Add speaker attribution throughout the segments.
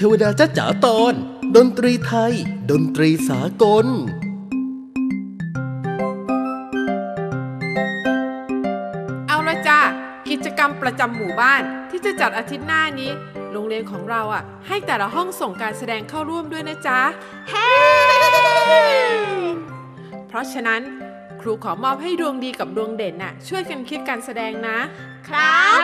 Speaker 1: ทวดาจ๊ะจ๋าตอนดนตรีไทยดนตรีสากล
Speaker 2: เอาละจ้ากิจกรรมประจำหมู่บ้านที่จะจัดอาทิตย์หน้านี้โรงเรียนของเราให้แต่ละห้องส่งการแสดงเข้าร่วมด้วยนะจ๊ะเฮ้เพราะฉะนั้นครูขอมอบให้ดวงดีกับดวงเด่นช่วยกันคิดการแสดงนะครับ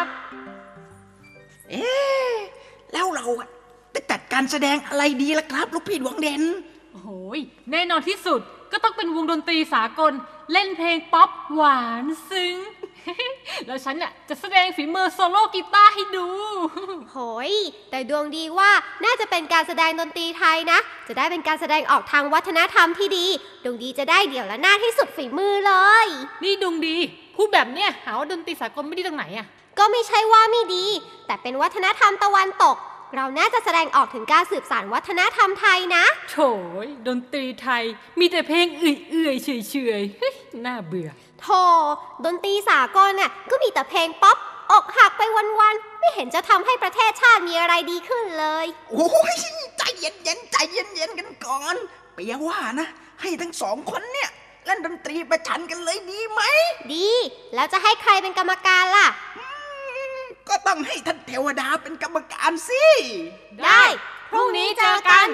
Speaker 3: แล้วเราจะจัดการแสดงอะไรดีล่ะครับลูกพี่ดวงเด่น
Speaker 4: โอ้โหแน่นอนที่สุดก็ต้องเป็นวงดนตรีสากลเล่นเพลงป๊อปหวานซึ้ง แล้วฉันจะแสดงฝีมือโซโล่กีตาร์ให้ดู
Speaker 5: โหยแต่ดวงดีว่าน่าจะเป็นการแสดงดนตรีไทยนะจะได้เป็นการแสดงออกทางวัฒนธรรมที่ดีดวงดีจะได้เดี่ยวและหน้าที่สุดฝีมือเลย
Speaker 4: นี่ดวงดีพูดแบบเนี้ยหาว่าดนตรีสากลไม่ดีตรงไหน
Speaker 5: ก็ไม่ใช่ว่าไม่ดีแต่เป็นวัฒนธรรมตะวันตกเราน่าจะแสดงออกถึงการสืบสานวัฒนธรรมไทยนะ
Speaker 4: โถยดนตรีไทยมีแต่เพลงเอื่อยๆเฉยๆน่าเบื่อ
Speaker 5: โธ่ดนตรีสากลก็มีแต่เพลงป๊อปอกหักไปวันๆไม่เห็นจะทำให้ประเทศชาติมีอะไรดีขึ้นเลย
Speaker 3: โอ้ยใจเย็นๆใจเย็นๆกันก่อนเปียว่านะให้ทั้งสองคนเนี่ยเล่นดนตรีประชันกันเลยดีไหม
Speaker 5: ดีแล้วจะให้ใครเป็นกรรมการล่ะ
Speaker 3: ก็ต้องให้ท่านเทวดาเป็นกรรมการสิ
Speaker 5: ได้พรุ่งนี้เจอกัน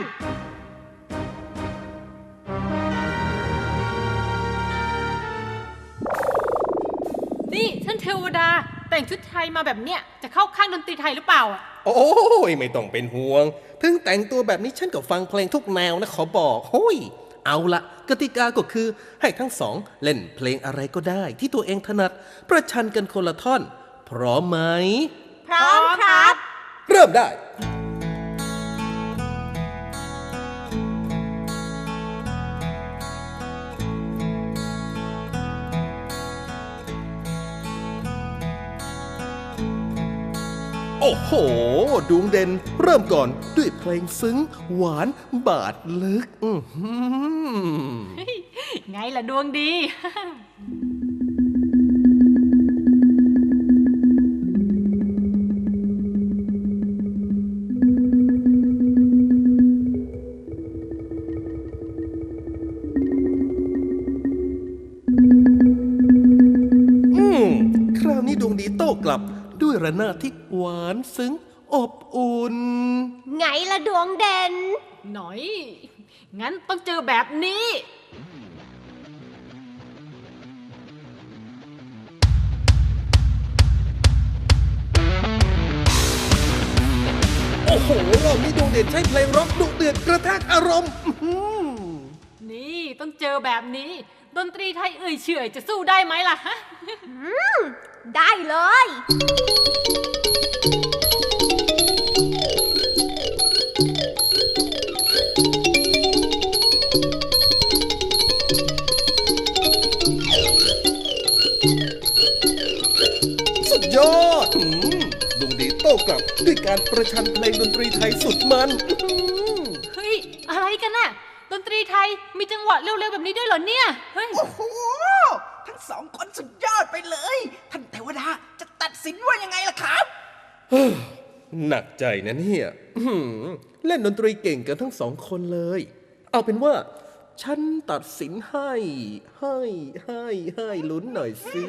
Speaker 4: นี่ท่านเทวดาแต่งชุดไทยมาแบบเนี้ยจะเข้าข้างดนตรีไทยหรือเปล่า
Speaker 1: โอ้ยไม่ต้องเป็นห่วงถึงแต่งตัวแบบนี้ฉันก็ฟังเพลงทุกแนวนะขอบอกโอ้ยเอาละกติกาก็คือให้ทั้งสองเล่นเพลงอะไรก็ได้ที่ตัวเองถนัดประชันกันคนละท่อนพร้อมไหม
Speaker 5: พร้อมครับ
Speaker 1: เริ่มได้โอ้โหดวงเด่นเริ่มก่อนด้วยเพลงซึ้งหวานบาดลึก
Speaker 4: ไงล่ะดวงดี
Speaker 1: คราวนี้ดวงดีโต้กลับด้วยระนาดที่หวานซึ้งอบอุ่น
Speaker 5: ไงล่ะดวงเด่น
Speaker 4: หน่อยงั้นต้องเจอแบบนี้
Speaker 1: โอ้โหรอบนี้ดวงเด่นใช้เพลงร็อกดุเดือดกระแทกอารมณ์
Speaker 4: นี่ต้องเจอแบบนี้ดนตรีไทยเฉยจะสู้ได้ไหมล่ะฮะ
Speaker 5: ได้เลย
Speaker 1: สุดยอดดวงดีโต้กลับด้วยการประชันเพลงดนตรีไทยสุดมัน
Speaker 4: เฮ้ยอะไรกันน่ะดนตรีไทยมีจังหวะเร็วๆแบบนี้ด้วยเหรอเนี่ยเฮ้ย
Speaker 3: โอ้โหทั้งสองคนสุดยอดไปเลยท่านเทวดาจะตัดสินว่ายังไงล่ะครับ
Speaker 1: หนักใจนะเนี่ยเล่นดนตรีเก่งกันทั้งสองคนเลยเอาเป็นว่าฉันตัดสินให้ลุ้นหน่อยสิ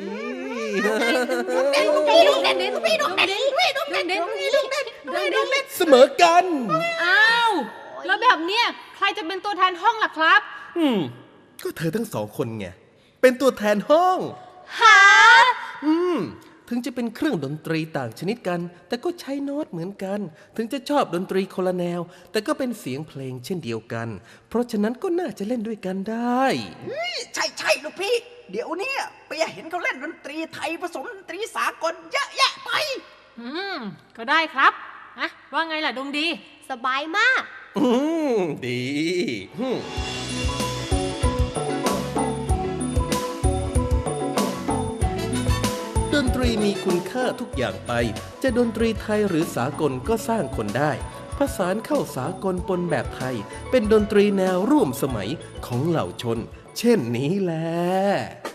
Speaker 1: เสมอกัน
Speaker 4: อ้าวแล้วแบบเนี้ยใครจะเป็นตัวแทนห้องล่ะครับ
Speaker 1: ก็เธอทั้งสองคนไงเป็นตัวแทนห้อง
Speaker 5: หา
Speaker 1: ถึงจะเป็นเครื่องดนตรีต่างชนิดกันแต่ก็ใช้โน้ตเหมือนกันถึงจะชอบดนตรีคนละแนวแต่ก็เป็นเสียงเพลงเช่นเดียวกันเพราะฉะนั้นก็น่าจะเล่นด้วยกันได้
Speaker 3: ใช่ลูกพี่เดี๋ยวนี้ไปเห็นเขาเล่นดนตรีไทยผสมดนตรีสากลเยอะแยะไป
Speaker 4: ก็ได้ครับว่าไงล่ะดวงดี
Speaker 5: สบายมาก
Speaker 1: ดีดนตรีมีคุณค่าทุกอย่างไปจะดนตรีไทยหรือสากลก็สร้างคนได้ผสานเข้าสากลปนแบบไทยเป็นดนตรีแนวร่วมสมัยของเหล่าชนเช่นนี้แหละ